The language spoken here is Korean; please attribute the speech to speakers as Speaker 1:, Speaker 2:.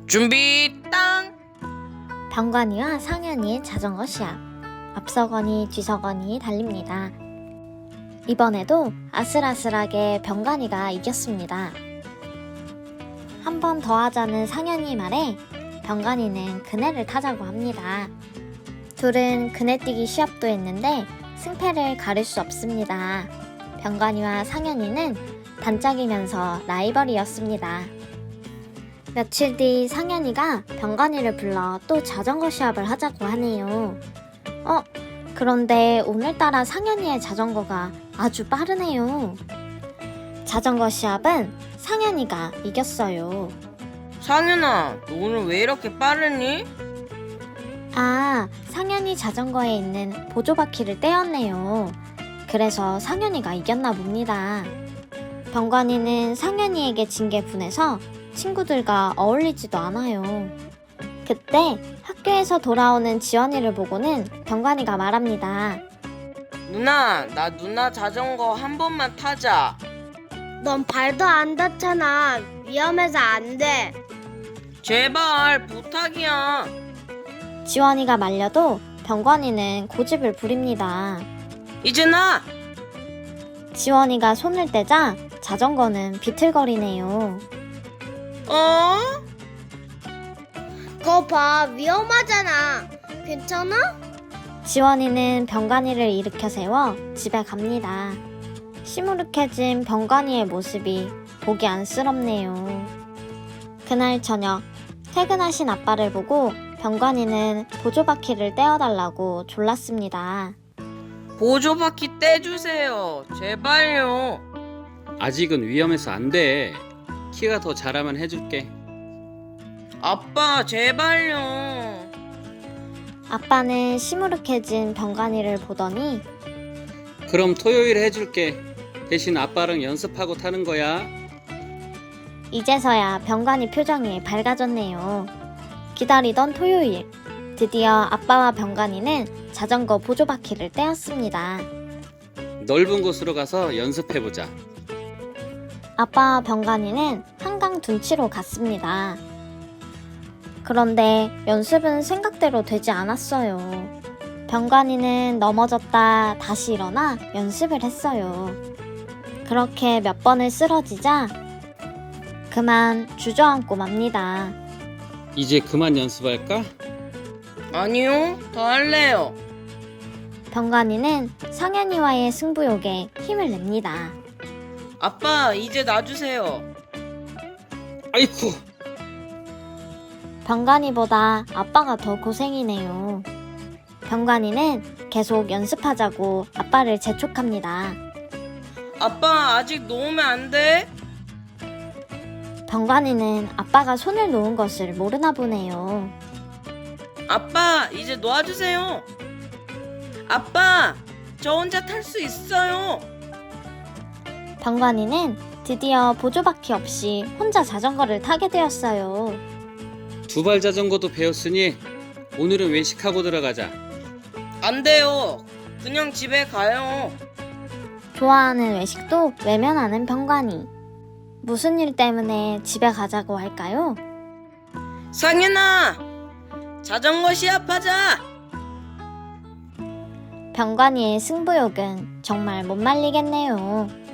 Speaker 1: 준비 땅!
Speaker 2: 병관이와 상현이의 자전거 시합. 앞서거니 뒤서거니 달립니다. 이번에도 아슬아슬하게 병관이가 이겼습니다. 한 번 더 하자는 상현이 말에 병관이는 그네를 타자고 합니다. 둘은 그네뛰기 시합도 했는데 승패를 가릴 수 없습니다. 병관이와 상현이는 단짝이면서 라이벌이었습니다. 며칠 뒤 상현이가 병관이를 불러 또 자전거 시합을 하자고 하네요. 그런데 오늘따라 상현이의 자전거가 아주 빠르네요. 자전거 시합은 상현이가 이겼어요.
Speaker 1: 상현아, 너 오늘 왜 이렇게 빠르니?
Speaker 2: 상현이 자전거에 있는 보조바퀴를 떼었네요. 그래서 상현이가 이겼나 봅니다. 병관이는 상현이에게 진 게 분해서 친구들과 어울리지도 않아요. 그때 학교에서 돌아오는 지원이를 보고는 병관이가 말합니다.
Speaker 1: 누나, 나 누나 자전거 한 번만 타자.
Speaker 3: 넌 발도 안 닿잖아. 위험해서 안 돼.
Speaker 1: 제발 부탁이야.
Speaker 2: 지원이가 말려도 병관이는 고집을 부립니다.
Speaker 1: 이제 나!
Speaker 2: 지원이가 손을 떼자 자전거는 비틀거리네요.
Speaker 3: 거 봐, 위험하잖아. 괜찮아?
Speaker 2: 지원이는 병관이를 일으켜 세워 집에 갑니다. 시무룩해진 병관이의 모습이 보기 안쓰럽네요. 그날 저녁 퇴근하신 아빠를 보고 병관이는 보조바퀴를 떼어달라고 졸랐습니다.
Speaker 1: 보조바퀴 떼주세요. 제발요.
Speaker 4: 아직은 위험해서 안 돼. 키가 더 자라면 해줄게.
Speaker 1: 아빠, 제발요.
Speaker 2: 아빠는 시무룩해진 병관이를 보더니
Speaker 4: 그럼 토요일에 해줄게. 대신 아빠랑 연습하고 타는 거야.
Speaker 2: 이제서야 병관이 표정이 밝아졌네요. 기다리던 토요일, 드디어 아빠와 병관이는 자전거 보조바퀴를 떼었습니다.
Speaker 4: 넓은 곳으로 가서 연습해보자.
Speaker 2: 아빠와 병관이는 한강 둔치로 갔습니다. 그런데 연습은 생각대로 되지 않았어요. 병관이는 넘어졌다 다시 일어나 연습을 했어요. 그렇게 몇 번을 쓰러지자 그만 주저앉고 맙니다.
Speaker 4: 이제 그만 연습할까?
Speaker 1: 아니요, 더 할래요.
Speaker 2: 병관이는 상현이와의 승부욕에 힘을 냅니다.
Speaker 1: 아빠, 이제 놔주세요.
Speaker 4: 아이쿠!
Speaker 2: 병관이보다 아빠가 더 고생이네요. 병관이는 계속 연습하자고 아빠를 재촉합니다.
Speaker 1: 아빠, 아직 놓으면 안 돼?
Speaker 2: 병관이는 아빠가 손을 놓은 것을 모르나 보네요.
Speaker 1: 아빠, 이제 놓아주세요. 아빠, 저 혼자 탈 수 있어요.
Speaker 2: 병관이는 드디어 보조바퀴 없이 혼자 자전거를 타게 되었어요.
Speaker 4: 두발 자전거도 배웠으니 오늘은 외식하고 들어가자.
Speaker 1: 안 돼요. 그냥 집에 가요.
Speaker 2: 좋아하는 외식도 외면하는 병관이. 무슨 일 때문에 집에 가자고 할까요?
Speaker 1: 상현아, 자전거 시합하자.
Speaker 2: 병관이의 승부욕은 정말 못 말리겠네요.